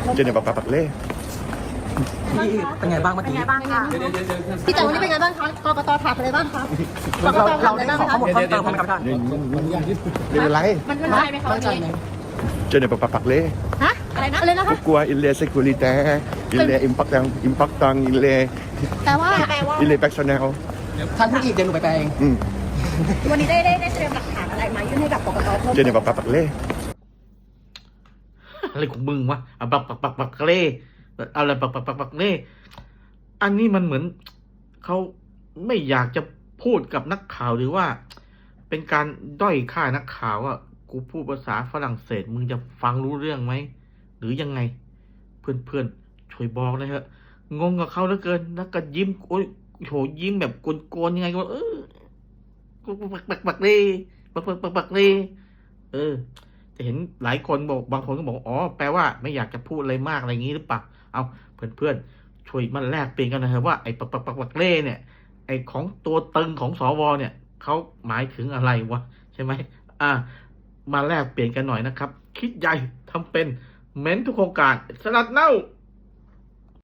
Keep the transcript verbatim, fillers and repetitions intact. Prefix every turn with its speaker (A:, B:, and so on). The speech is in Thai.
A: เจนเนี่ยปักปักเล่
B: พี่เป็นไงบ้างเมื่อ
C: เป็น
B: กี้
C: ไงบ้างคะพี่แต่วันนี้เป็นไงบ้างคะกกตถามอะไรบ้างคะกก
B: เรา
C: ตถา
B: เรา
C: มอะไร
B: ได้
C: บ้าง
B: ขอ
C: คะ
B: ข้อมูลเพิ่มเติมไหมครับท่าน
A: ไม่เป็นไร
C: มันมันได้ไหมคะ
B: มั่นใจไหม
A: เจนเนี่ยปักปักเล่
C: ฮะอะไรนะอะไรนะคะ
A: กลัวอินเลสกูริแต่อินเลอิมพักตังอิมพักตังอินเล
C: แต่ว่าแปลว่า
A: อินเลแบ็กชแนล
B: ท่านพูดอีกเดี๋ยวหนูไปแปลเอง
A: อืม
C: วันนี้ได้ได้ได้เตรียมหลักฐานอะไรมายื่นให้กับกกตเพิ่ม
A: เจนเนี่ยปักปักเล่
D: อะไรของมึงวะอ่ะปักปักปักปักเล่อะไรปักปักปักปักเล่อันนี้มันเหมือนเขาไม่อยากจะพูดกับนักข่าวหรือว่า เป็นการด้อยค่านักข่าวว่ากูพูดภาษาฝรั่งเศสมึงจะฟังรู้เรื่องไหมหรือยังไง เพื่อนๆช่วยบอกเลยเถอะงงกับเขาเหลือเกินแล้วก็ยิ้มโอ้ยโหยิ้มแบบโกนๆยังไงก็เออปักปักปักเล่ปักปักปักปักเล่เออ จะเห็นหลายคนบอกบางคนก็บอกอ๋อแปลว่าไม่อยากจะพูดอะไรมากอะไรอย่างนี้หรือเปล่าเอาเพื่อนๆช่วยมาแลกเปลี่ยนกันนะฮะว่าไอ้ปักปักปักปักเล่เนี่ยไอ้ของตัวตึงของสวเนี่ยเขาหมายถึงอะไรวะใช่ไหมอ่ามาแลกเปลี่ยนกันหน่อยนะครับคิดใหญ่ทำเป็นเม้นทุกโครงการสลัดเน่า